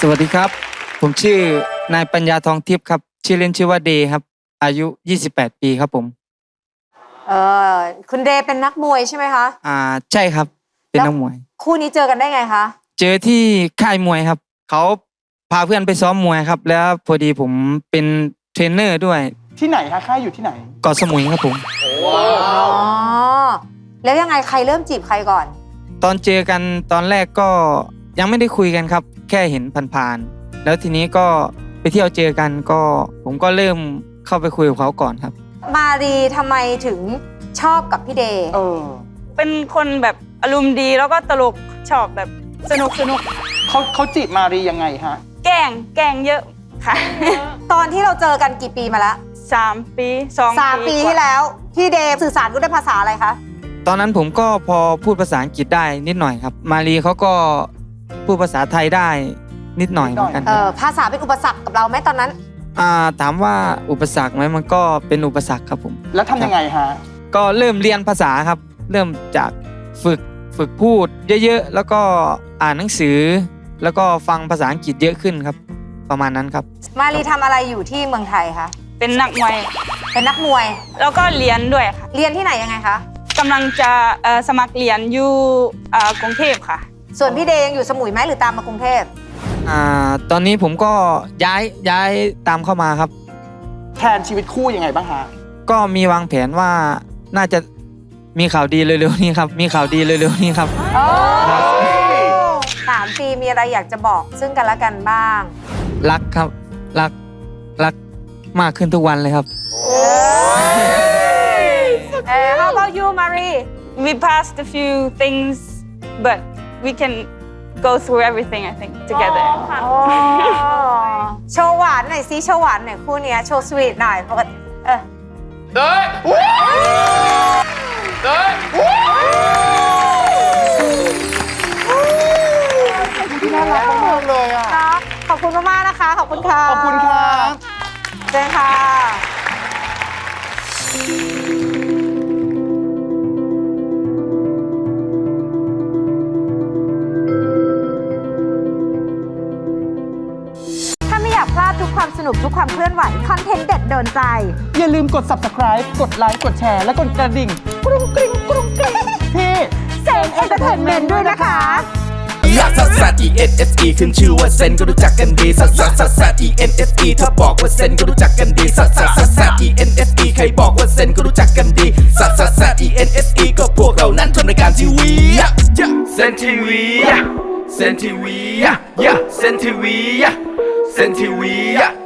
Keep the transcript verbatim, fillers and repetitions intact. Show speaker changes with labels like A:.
A: สวัสดีครับผมชื่อนายปัญญาทองทิพย์ครับชื่อเล่นชื่อว่าเดย์ครับอายุยี่สิบแปดปีครับผม
B: เออคุณเดย์เป็นนักมวยใช่ไหมคะ
A: อ่าใช่ครับเป็นนักมวย
B: คู่นี้เจอกันได้ไงคะ
A: เจอที่ค่ายมวยครับเขาพาเพื่อนไปซ้อมมวยครับแล้วพอดีผมเป็นเทรนเนอร์ด้วย
C: ที่ไหนคะค่ายอยู่ที่ไหน
A: เกาะสมุยครับผม
B: อ๋อแล้วยังไงใครเริ่มจีบใครก่อน
A: ตอนเจอกันตอนแรกก็ยังไม่ได้คุยกันครับแค่เห็นผ่านๆแล้วทีนี้ก็ไปเที่ยวเจอกันก็ผมก็เริ่มเข้าไปคุยกับเขาก่อนครับ
B: มารีทำไมถึงชอบกับพี่เดย์
C: เออ
D: เป็นคนแบบอารมณ์ดีแล้วก็ตลกชอบแบบสนุกสนุก
C: เขาเขาจีบมารียังไงฮะ
D: แกล้งแกล้งเยอะค่ะ
B: ตอนที่เราเจอกันกี่ปีมาแล้ว
D: สามปีสอง
B: สามปีที่แล้วพี่เดย์สื่อสารกันด้วยภาษาอะไรคะ
A: ตอนนั้นผมก็พอพูดภาษาอังกฤษได้นิดหน่อยครับมารีเขาก็พูดภาษาไทยได้นิดหน่อยเหมือนกัน
B: เออภาษาเป็นอุปสรรคกับเราไหมตอนนั้น
A: อ่าถามว่าอุปสรรคไหมมันก็เป็นอุปสรรคครับผม
C: แล้วทำยังไงฮะ
A: ก็เริ่มเรียนภาษาครับเริ่มจากฝึกฝึกพูดเยอะๆแล้วก็อ่านหนังสือแล้วก็ฟังภาษาอังกฤษเยอะขึ้นครับประมาณนั้นครับ
B: มารีทำอะไรอยู่ที่เมืองไทยคะ
D: เป็นนักมวย
B: เป็นนักมวย
D: แล้วก็เรียนด้วยค่ะ
B: เรียนที่ไหนยังไงคะ
D: กำลังจะสมัครเรียนอยู่กรุงเทพค่ะ
B: ส่วนพี่เดย์ยังอยู่สมุยไหมหรือตามมากรุงเทพ
A: อ่าตอนนี้ผมก็ย้ายย้ายตามเข้ามาครับ
C: แทนชีวิตคู่ยังไงบ้างฮะ
A: ก็มีวางแผนว่าน่าจะมีข่าวดีเร็วๆนี้ครับมีข่าวดีเร็วๆนี้ครับ
B: สามปีมีอะไรอยากจะบอกซึ่งกันและกันบ้าง
A: รักครับรักรักมากขึ้นทุกวันเลยครับ
B: เออ How about you Marie
D: We passed a few things but we can go through everything I think together
B: โชว์หวานหน่อยซิโชว์หวานหน่อยคู่นี้โชว์สวีทหน่อยปกติเออ
C: เด้ยเด้ยที่น่ารักมากเลยอ่ะ
B: ขอบคุณมากๆนะคะขอบคุณค่ะ
C: ขอบคุณค่ะ
B: เชิญค่ะพลาดทุกความสนุกทุกความเคลื่อนไหวคอนเทนต์เด็ดโดนใจ
C: อย่าลืมกด ซับสไครบ์ กดไลค์กดแชร์และกดกระดิ่งกรุ้งกริ้งกรุ้งกริ้งที่
B: เซนเอนเตอร์เทนเมนต์ด้วยนะคะ
E: ลักซัสซัส อี เอ็น เอส อี ขึ้นชื่อว่าเซนก็รู้จักกันดีซัสซัสซัสซัส อี เอ็น เอส อี ถ้าบอกว่าเซนก็รู้จักกันดีซัสซัสซัสซัส อี เอ็น เอส อี ใครบอกว่าเซนก็รู้จักกันดีซัสซัสซัส อี เอ็น เอส อี ก็พวกเรานั้นทำรายการทีวีเซนทีวีเซนทีวีเซนทีวีเซนทีวี